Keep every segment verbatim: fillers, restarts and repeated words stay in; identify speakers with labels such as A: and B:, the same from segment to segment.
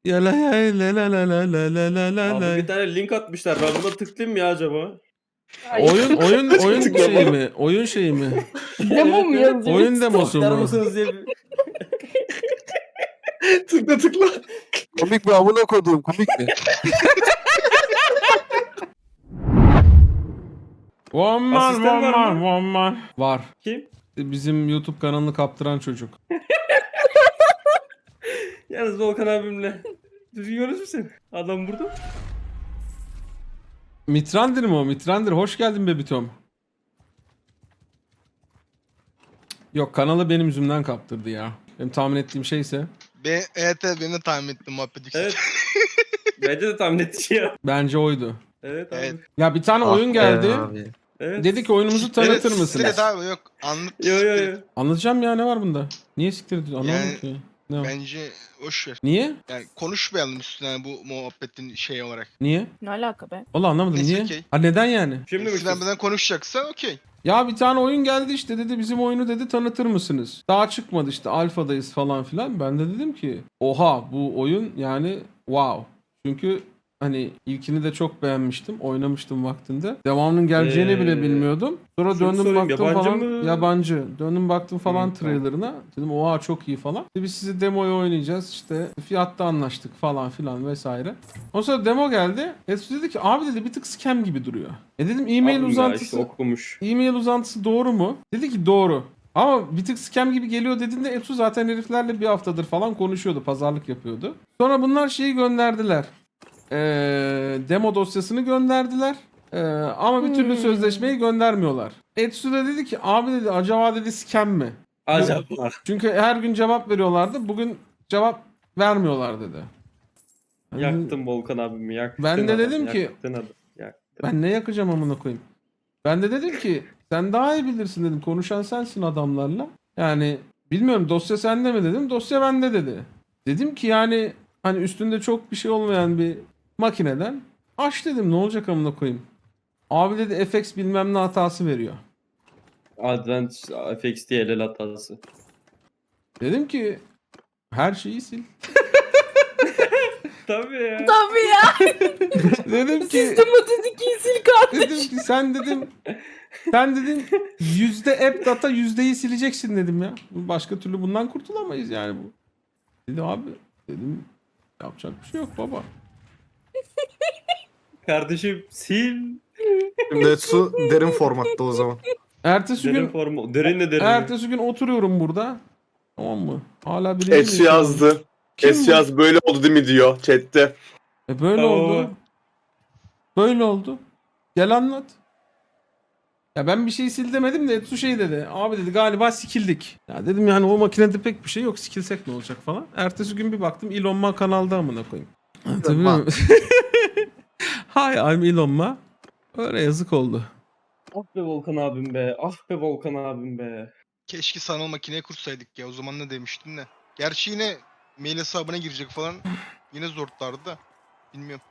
A: Ya la ya la la la la la la la la
B: Abi
A: la.
B: bir tane link atmışlar. Ben buna tıklayayım mı ya acaba?
A: Oyun oyun oyun
C: Tıklama.
A: şeyi mi? Oyun şeyi mi?
D: Demo mu yazıyor?
A: Oyun demosu
B: Tıklar
A: mu?
B: mısınız diye bir...
C: Tıkla tıkla.
E: Komik mi amına koduğum, komik mi?
A: One man,
B: Asistan
A: one
B: var
A: man,
B: mı?
A: one man. Var.
B: Kim?
A: Bizim YouTube kanalını kaptıran çocuk.
B: Yalnız Volkan abimle. Düzgün konuşursun. Adam burada.
A: Mitrandir mi o? Mitrandir. Hoş geldin Bebitom. Yok, kanalı benim yüzümden kaptırdı ya. Benim tahmin ettiğim şeyse.
F: Be evet evet benim de tahmin ettim muhabbet.
B: Evet. Bence de tahmin ettiği ya.
A: Bence oydu.
B: Evet abi.
F: Evet.
A: Ya bir tane
E: Ah
A: oyun
E: be
A: geldi.
E: abi.
B: Evet.
A: Dedi ki oyunumuzu tanıtır
F: Evet,
A: mısınız?
F: Evet abi yok anlat.
B: Yo yo yo.
A: Anlatacağım ya, ne var bunda? Niye siktir ediyorsun? Anlamadım
F: Yani-
A: ki. Ne var?
F: Bence boş ver.
A: Niye?
F: Yani konuşmayalım üstüne yani bu muhabbetin şey olarak.
A: Niye?
D: Ne alaka be?
A: Valla anlamadım.
F: Neyse,
A: Niye?
F: okey.
A: Ha, neden yani?
B: Şimdi mi
F: Eskiden benden konuşacaksan okey.
A: Ya bir tane oyun geldi işte, dedi bizim oyunu dedi tanıtır mısınız? Daha çıkmadı işte, alfadayız falan filan. Ben de dedim ki oha, bu oyun yani wow. Çünkü hani ilkini de çok beğenmiştim. Oynamıştım vaktinde. Devamının geleceğini
B: Ee,
A: bile bilmiyordum. Sonra
B: şunu
A: döndüm
B: sorayım,
A: baktım
B: yabancı
A: falan.
B: mı?
A: Yabancı. Döndüm baktım falan
B: Hı, tamam.
A: trailerına. Dedim oha çok iyi falan. İşte biz sizi demoyu oynayacağız. İşte fiyatta anlaştık falan filan vesaire. Ondan sonra demo geldi. Etsu dedi ki abi dedi bir tık scam gibi duruyor. E dedim e-mail
B: Abim ya
A: uzantısı.
B: işte okumuş.
A: E-mail uzantısı doğru mu? Dedi ki doğru. Ama bir tık scam gibi geliyor dediğinde Etsu zaten heriflerle bir haftadır falan konuşuyordu. Pazarlık yapıyordu. Sonra bunlar şeyi gönderdiler. Ee, demo dosyasını gönderdiler. Ee, ama bir türlü
D: Hmm.
A: sözleşmeyi göndermiyorlar. Etsu da dedi ki abi dedi acaba dedi scam mi?
B: Acaba.
A: Çünkü her gün cevap veriyorlardı. Bugün cevap vermiyorlar dedi. Yani
B: Yaktın Volkan abimi yaktın.
A: Ben de
B: adam,
A: dedim ki-
B: Yaktın adam. Yaktın.
A: ben ne yakacağım amına koyayım? Ben de dedim ki sen daha iyi bilirsin dedim. Konuşan sensin adamlarla. Yani bilmiyorum dosya sende mi dedim. Dosya bende dedi. Dedim ki yani hani üstünde çok bir şey olmayan bir makineden aç dedim, ne olacak amına koyayım. Abi dedi F X bilmem ne hatası veriyor.
B: Advent F X D L L hatası.
A: Dedim ki her şeyi sil.
B: Tabii ya.
D: Tabii ya.
A: Dedim ki
D: Sistematik sil kardeş.
A: dedim ki sen dedim sen dedim yüzde app data yüzdeyi sileceksin dedim ya. Başka türlü bundan kurtulamayız yani bu. Dedi abi dedim yapacak bir şey yok baba.
B: Kardeşim sil.
E: Şimdi Etsu derin formatta o zaman.
A: Ertesi
B: Derin
A: gün
B: formu. Derin de derin.
A: ertesi gün oturuyorum burada. Tamam mı? Hala biri
C: Etsu yazdı.
A: Kim
C: Etsu
A: bu?
C: yaz böyle oldu değil mi diyor chatte.
A: E böyle
B: Oo.
A: oldu. Böyle oldu. Gel anlat. Ya ben bir şey sil demedim de Etsu şey dedi. Abi dedi galiba sikildik. Ya dedim yani o makinede pek bir şey yok. Sikilsek ne olacak falan. Ertesi gün bir baktım Elon Musk kanalda amına koyayım. Anlatabiliyor muyum? Hi I'm Elon Musk. Öyle yazık oldu.
B: Ah be Volkan abim be. Ah be Volkan abim be.
F: Keşke sanal makineye kursaydık ya o zaman ne demiştim de. Gerçi yine mail hesabına girecek falan yine zorlardı da. Bilmiyorum.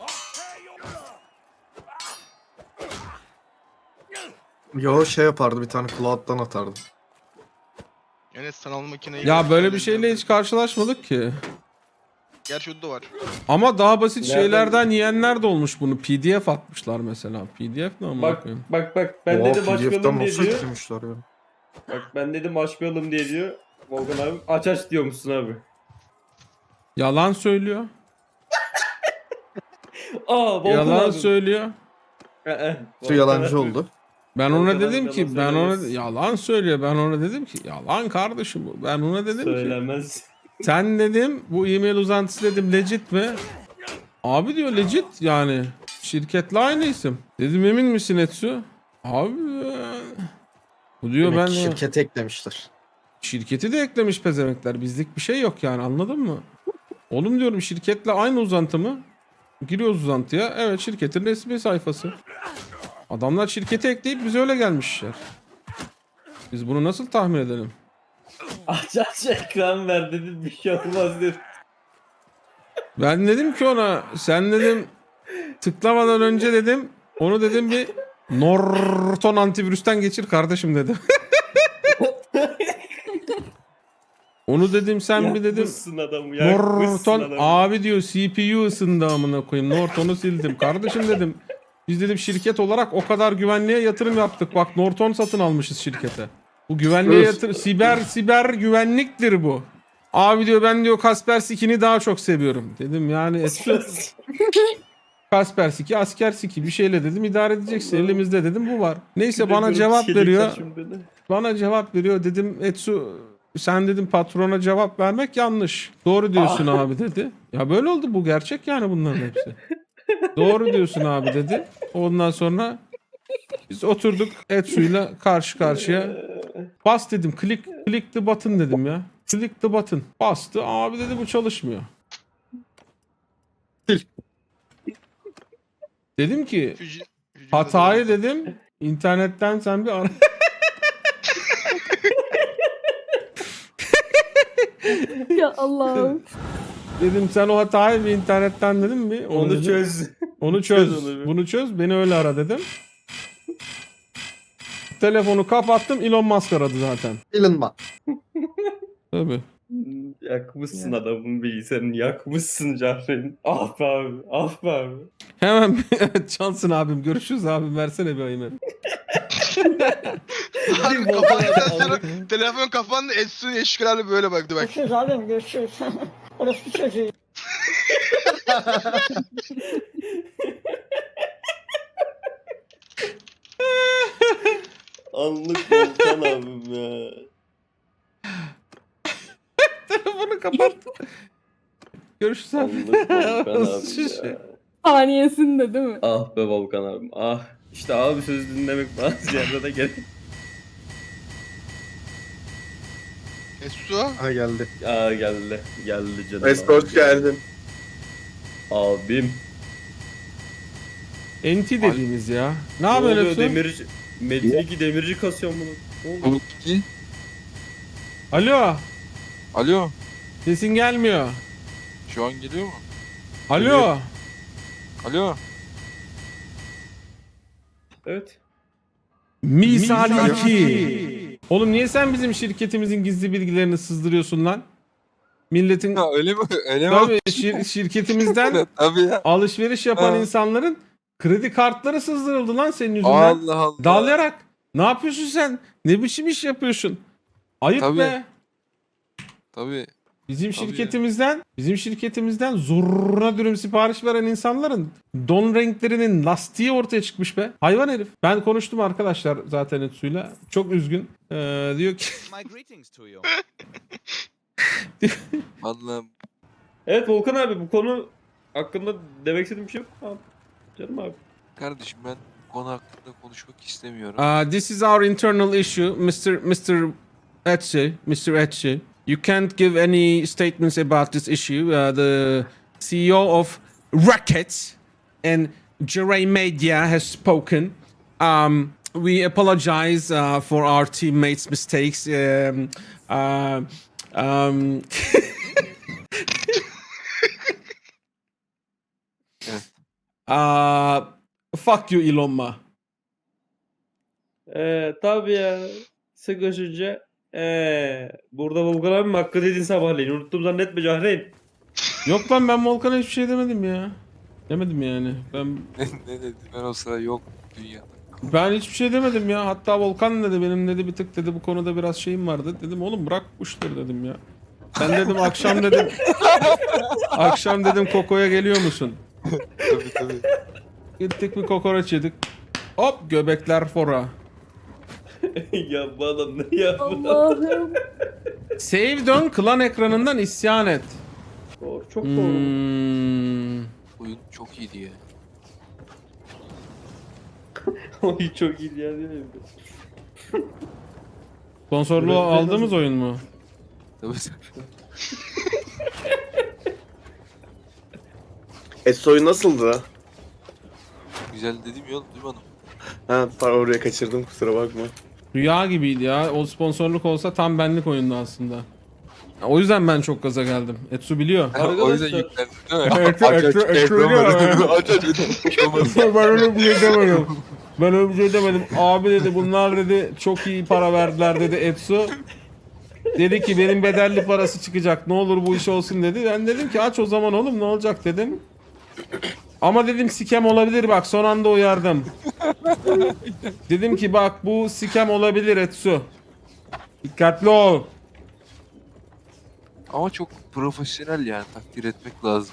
E: Yo şey yapardı, bir tane cloud'dan atardı.
F: Yani sanal makineyi...
A: Ya böyle bir şeyle hiç karşılaşmadık ki.
F: Gerçi o da var.
A: Ama daha basit
B: Nereden-
A: şeylerden yiyenler de olmuş bunu. P D F atmışlar mesela. P D F ne amına
B: Bak
A: koyayım?
B: bak bak ben
E: Oha,
B: dedim
E: P D F'den
B: açmayalım diye
E: nasıl
B: diyor.
E: yüklemişler ya?
B: Bak ben dedim açmayalım diye diyor. Volkan abi aç aç diyormuşsun abi.
A: Yalan söylüyor.
B: Aa Volkan
A: Yalan
B: abim.
A: söylüyor.
B: Ee, e,
E: Su
B: Volkan
E: yalancı
B: abi.
E: oldu.
A: Ben
B: Volkan
A: ona
B: abi
A: dedim
B: yalan
A: ki ben ona
B: söylemez.
A: yalan söylüyor. Ben ona dedim ki yalan kardeşim bu. Ben ona dedim ki
B: Söylemez.
A: sen dedim bu e-mail uzantısı dedim legit mi? Abi diyor legit yani. Şirketle aynı isim. Dedim emin misin Etsu? Abi bu diyor
E: Demek
A: ben
E: ki şirkete eklemişler.
A: şirketi de eklemiş pezemekler. Bizlik bir şey yok yani, anladın mı? Oğlum diyorum şirketle aynı uzantı mı? Giriyoruz uzantıya. Evet şirketin resmi sayfası. Adamlar şirketi ekleyip bize öyle gelmişler. Biz bunu nasıl tahmin edelim?
B: Aç aç ekran ver dedim bir şey olmaz dedim.
A: Ben dedim ki ona sen dedim tıklamadan önce dedim onu dedim bir Norton antivirüsten geçir kardeşim dedim. Onu Onu dedim sen bir dedim.
B: Yakmışsın adamı. Yakmışsın
A: Norton
B: adamı.
A: abi diyor C P U ısındı amına koyayım. Norton'u sildim. Kardeşim dedim. Biz dedim şirket olarak o kadar güvenliğe yatırım yaptık. Bak Norton satın almışız şirkete. Bu güvenliğe
E: Öf.
A: yatır siber siber güvenliktir bu. Abi diyor ben diyor Kaspersky'ni daha çok seviyorum. Dedim yani Etsu Kaspersky asker siki bir şeyle dedim idare edeceksin. Elimizde dedim bu var. Neyse bana cevap veriyor. Bana cevap veriyor dedim Etsu sen dedim patrona cevap vermek yanlış. Doğru diyorsun abi dedi. Ya böyle oldu bu gerçek yani bunların hepsi. Doğru diyorsun abi dedi. Ondan sonra biz oturduk Etsu'yla karşı karşıya. Bas dedim click, click the button dedim ya. Click the button. Bastı abi dedi bu çalışmıyor.
E: Sil.
A: Dedim ki
F: Füci- fücüğü
A: hatayı
F: de-
A: dedim internetten sen bir ara.
D: Ya Allah'ım.
A: Dedim sen o hatayı bir internetten dedim mi?
B: Onu
A: dedim.
B: çöz.
A: Onu çöz.
B: Çöz onu bir.
A: Bunu çöz. Beni öyle ara dedim. Telefonu kapattım. Elon Musk aradı zaten.
E: Elon Musk.
A: Tabii.
B: Yakmışsın adamın bilgisayarını. Yakmışsın Cahreyn. Ah be abi. Ah be abi.
A: Hemen evet Cansın abim. Görüşürüz abim. Versene bir ayımı.
F: Harbi kapandıktan sonra telefon kapandı. Etsun eşkılarla böyle baktı bak.
G: Görüşürüz abim görüşürüz. Orası çocuğu.
B: Anlık Volkan abim ya.
A: Telefonu kapattım. Görüşürüz abi.
B: Anlık Volkan abim ya.
D: Saniyesinde değil mi?
B: Ah be Volkan abim. Ah. İşte abi söz dinlemek bazı yerde de gerek.
F: Etsu.
E: Ha geldi.
B: Aa geldi. Geldi canım.
C: Esko hoş geldin.
B: Abim.
A: Enti dediğimiz ya. Ne
B: Ne
A: yapıyorsun
B: oluyor
A: Efsun?
B: demirci? Metin iki demirci kasıyor bunu. Ne oluyor?
H: Ki.
A: Alo.
H: Alo.
A: Sesin gelmiyor.
H: Şu an geliyor mu?
A: Alo.
H: Alo.
B: Evet.
A: Misal iki. Oğlum niye sen bizim şirketimizin gizli bilgilerini sızdırıyorsun lan? Milletin
H: Ha, öyle mi? Öyle mi?
A: tabii şir- şirketimizden
H: Tabii ya.
A: alışveriş yapan
H: Ha.
A: insanların kredi kartları sızdırıldı lan senin yüzünden.
H: Allah Allah.
A: Dalayarak. Ne yapıyorsun sen? Ne biçim iş yapıyorsun? Ayıp
H: Tabii.
A: be.
H: Tabii.
A: Bizim
H: Tabii
A: şirketimizden, bizim şirketimizden zoruna dürüm sipariş veren insanların don renklerinin lastiği ortaya çıkmış be. Hayvan herif. Ben konuştum arkadaşlar zaten Etsu'yla. Çok üzgün. Ee, diyor ki
I: My greetings to you.
H: Vallahi
B: Evet Volkan abi bu konu hakkında demek istediğim bir şey yok. Abi, canım abi.
H: kardeşim ben konu hakkında konuşmak istemiyorum.
A: Uh, this is our internal issue, mister mister Etche, mister Etche. You can't give any statements about this issue. Uh, the C E O of Racket and Jeray Media has spoken. Um, we apologize uh, for our teammates' mistakes. Um, uh, um, uh, fuck you, Elon Musk.
B: Ee, tabii ya. Sıkışınca ee, burada Volkan abim hakkı dedin sabahleyin. Unuttum zannetme Cahreyn.
A: Yok lan ben Volkan'a hiçbir şey demedim ya. Demedim yani. Ben
H: ne, ne dedi? Ben o sıra yok dünyada.
A: ben hiçbir şey demedim ya. Hatta Volkan dedi benim dedi bir tık dedi bu konuda biraz şeyim vardı. Dedim oğlum bırak bu işleri dedim ya. Sen dedim akşam dedim akşam dedim Koko'ya geliyor musun?
H: Tabii tabii.
A: Gittik bir kokoreç yedik. Hop göbekler fora.
B: ya bu adam ne yaptı?
D: Allah'ım.
A: Save dön klan ekranından isyan et.
B: Doğru, çok doğru.
A: Hmm.
H: Oyun çok iyiydi ya.
B: Oy çok iyi ya değil mi?
A: Sponsorluğu aldığımız oyun mu?
H: Tabii tabii.
C: Esoy nasıldı?
H: Güzel dedim ya duymadım.
C: Ha pardon oraya kaçırdım kusura bakma.
A: Rüya gibiydi ya. O sponsorluk olsa tam benlik oyundu aslında. O yüzden ben çok gaza geldim. Etsu biliyor.
H: Ha, o yüzden
B: Arkadaşlar-
H: yüklendim değil mi?
A: Evet,
H: Aç, aç,
A: evet, evet,
H: ekran
A: evet,
H: var.
A: evet.
H: Aç aç bir şey olmaz.
A: Ben öyle bir şey demedim. Ben öyle bir şey demedim. Abi dedi bunlar dedi çok iyi para verdiler dedi Etsu. Dedi ki benim bedelli parası çıkacak. Ne olur bu iş olsun dedi. Ben dedim ki aç o zaman oğlum ne olacak dedim. Ama dedim sikem olabilir bak son anda uyardım. Dedim ki bak bu sikem olabilir Etsu. Dikkatli ol.
H: Ama çok profesyonel yani takdir etmek lazım.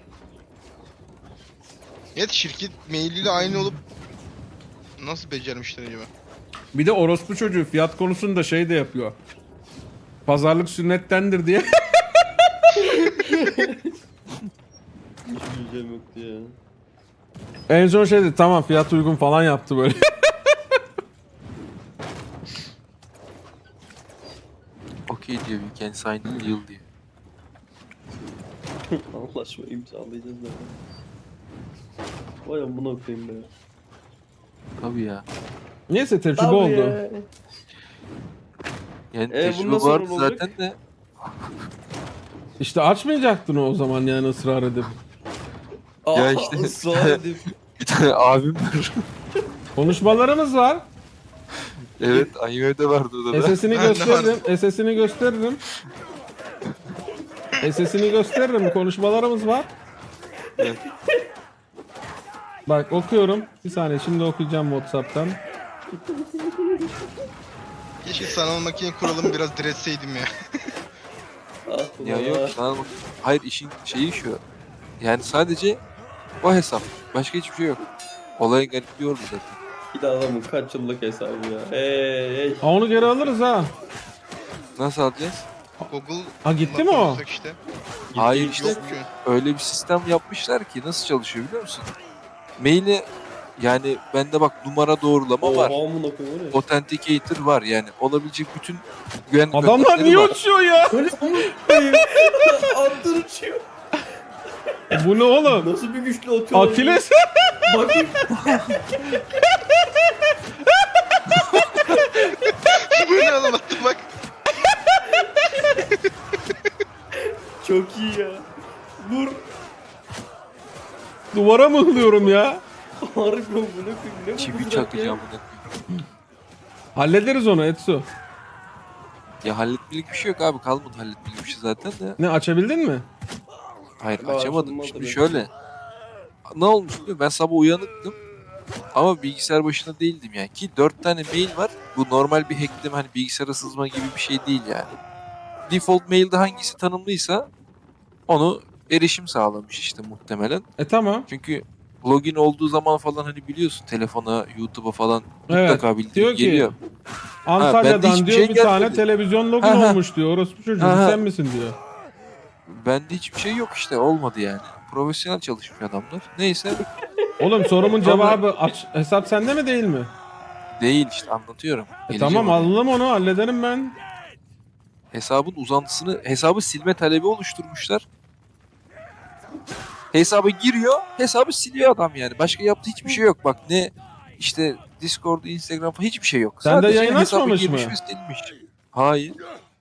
F: Evet şirket mailiyle aynı olup nasıl becermişler acaba?
A: Bir de orospu çocuğu fiyat konusunda şey de yapıyor. Pazarlık sünnettendir diye.
B: Hiç bileceğim yoktu ya.
A: En son şey dedi tamam fiyat uygun falan yaptı böyle.
H: Okey diyor we can sign a deal diye.
B: Anlaşma imzalayacağız da. Vay amına koyayım be.
H: Tabii ya.
A: Neyse tecrübe
B: Tabii
A: oldu.
B: ya.
H: Yani
B: E,
H: tecrübe
B: bundan sonra
H: vardı
B: ne olacak?
H: zaten de.
A: İşte açmayacaktın o zaman yani ısrar edip.
H: Ya
B: Aa,
H: işte-
B: ısrar edip.
H: Bir tane abim var.
A: Konuşmalarımız var.
H: Evet Ayıver'de vardı o da.
A: S S'ini
F: Ben de
A: gösteririm. S S'ini gösteririm. S S'ini gösteririm. Konuşmalarımız var.
H: Evet.
A: Bak okuyorum. Bir saniye şimdi okuyacağım WhatsApp'tan.
F: Keşke sanal makine kuralımı biraz diretseydim ya.
B: Ah,
H: Ya
B: ulan
H: yok
B: ah.
H: sana bak. Hayır işin şeyi şu. Yani sadece o hesap. Başka hiçbir şey yok. Olayın garipliği orada zaten.
B: Bir de adamın kaç yıllık hesabı ya. Hey hey.
A: Ha, onu geri alırız ha.
H: Nasıl alacağız?
F: Google
A: Ha, gitti mi o?
F: Işte.
H: Hayır işte
F: Yok ki.
H: öyle bir sistem yapmışlar ki nasıl çalışıyor biliyor musun? Maili yani bende bak numara doğrulama var.
B: Oha amına koyayım o ne?
H: Authenticator var yani olabilecek bütün güvenlik
A: Adamlar
H: önlemleri
A: niye
H: var.
A: uçuyor ya?
B: Öyle amına koyayım. Attır uçuyor.
A: Bu ne oğlum?
B: Nasıl bir güçlü atıyor? lan
A: Akiles.
B: bu? Bakayım.
F: Bu ne oğlum attım bak.
B: Çok iyi ya. Vur.
A: Duvara mıhlıyorum ya.
B: Harbi amına koyayım. Ne bu
H: Çivi
B: mızrak
H: çakacağım
B: ya?
H: bunu.
A: Hallederiz onu Etsu.
H: Ya halletmelik bir şey yok abi kalmadı halletmelik bir şey zaten de.
A: Ne açabildin mi?
H: Hayır
B: Daha
H: açamadım.
B: açılmadı
H: Şimdi
B: be.
H: şöyle. Ne olmuş biliyor musun? Ben sabah uyanıktım. Ama bilgisayar başında değildim yani. Ki dört tane mail var. Bu normal bir hackleme hani bilgisayara sızma gibi bir şey değil yani. Default mailde hangisi tanımlıysa onu erişim sağlamış işte muhtemelen.
A: E tamam.
H: Çünkü login olduğu zaman falan hani biliyorsun telefona, YouTube'a falan
A: Evet,
H: mutlaka bildirim
A: diyor ki,
H: geliyor.
A: Antalya'dan
H: hiçbir
A: diyor
H: şey
A: bir tane
H: gelmedi.
A: televizyon login
H: Ha, ha.
A: olmuş diyor. Orospu çocuğu
H: Ha, ha.
A: sen misin diyor.
H: Bende hiçbir şey yok işte olmadı yani. Profesyonel çalışmış adamlar. Neyse
A: Oğlum sorumun
H: Sonra-
A: cevabı aç, hesap sende mi değil mi?
H: değil işte anlatıyorum.
A: E
H: Geleceğim
A: tamam
H: oraya.
A: aldım onu hallederim ben.
H: Hesabın uzantısını, hesabı silme talebi oluşturmuşlar. Hesaba giriyor, hesabı siliyor adam yani. Başka yaptığı hiçbir şey yok. Bak ne işte Discord, Instagram falan hiçbir şey yok.
A: Sen de
H: Sadece
A: yayın
H: hesaba
A: açmamış
H: girmiş
A: mı?
H: ve silmiş. Hayır.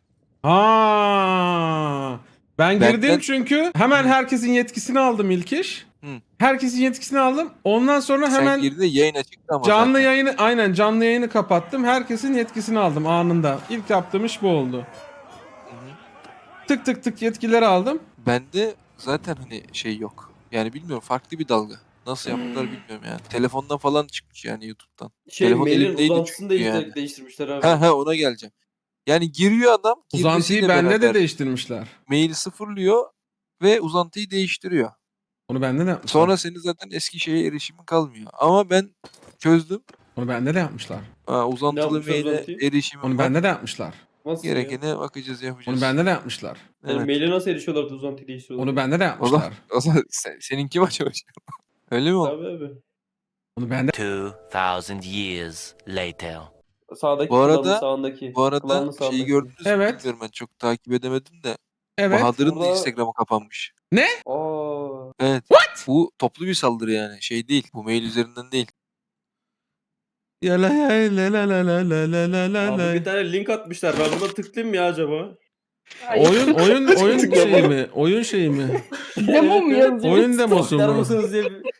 A: Ha. Ben
H: Ben-
A: girdim
H: ben-
A: çünkü hemen herkesin yetkisini aldım ilk iş.
H: Hı.
A: Herkesin yetkisini aldım. Ondan sonra
H: Sen
A: hemen
H: girdiğinde yayın açıktı ama
A: canlı
H: zaten.
A: yayını aynen canlı yayını kapattım. Herkesin yetkisini aldım anında. İlk yaptığım iş bu oldu.
H: Hı hı.
A: Tık tık tık yetkileri aldım.
H: Bende zaten hani şey yok. Yani bilmiyorum farklı bir dalga. Nasıl yaptılar bilmiyorum yani. Telefondan falan çıkmış yani YouTube'dan.
B: Şey
H: Telefon
B: mailin
H: elimdeydi
B: uzantısını
H: çünkü
B: değiştir-
H: yani.
B: değiştirmişler abi.
H: Ha ha ona geleceğim. Yani giriyor adam.
A: Uzantıyı
H: girmesiyle
A: bende de
H: beraber
A: değiştirmişler.
H: maili sıfırlıyor ve uzantıyı değiştiriyor.
A: Onu bende de yapmışlar.
H: Sonra senin zaten eski şeye erişimin kalmıyor. Ama ben çözdüm.
A: Onu bende de yapmışlar.
H: Ha, uzantılı
B: yapmışlar
H: maile
B: uzantıyı?
H: erişimim
A: Onu
H: var.
A: bende de yapmışlar.
B: Nasıl ya?
H: Gerekene bakacağız yapacağız.
A: Onu bende de yapmışlar.
B: Yani
H: Evet.
B: maile nasıl erişiyorlardı uzantıyı değiştiriyorlar?
A: Onu bende de
H: O zaman,
A: yapmışlar.
H: o zaman sen, seninki mi acaba? Öyle mi oldu?
B: Tabii abi.
A: Onu bende
I: Two thousand years later.
B: Sağdaki
H: Bu arada-
B: klanın sağındaki.
H: Bu arada
B: Klanın
H: şeyi
B: sağındaki.
H: gördünüz mü
A: Evet.
H: bilmiyorum ben çok takip edemedim de.
A: evet.
H: Bahadır'ın da
B: Burada-
H: Instagram'ı kapanmış.
B: Aa.
H: Evet. Bu toplu bir saldırı yani. Şey değil. Bu mail üzerinden değil.
A: Ya la ya la la la la la la la la
B: Abi
A: la.
B: bir tane link atmışlar. Ben buna tıklayayım mı ya acaba?
A: Oyun oyun oyun şeyi mi? Oyun şeyi mi?
D: Demo mu yazıyor?
A: Oyun demosu
B: Tıklar
A: mu?
B: mısınız diye bir...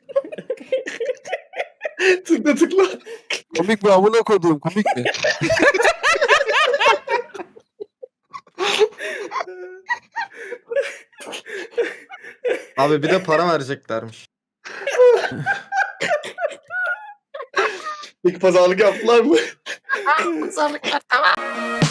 C: Tıkla tıkla.
H: Komik mi amına koduğum komik mi?
E: Abi bir de para vereceklermiş.
C: Peki pazarlık yaptılar mı?
H: Pazarlıklar tamam.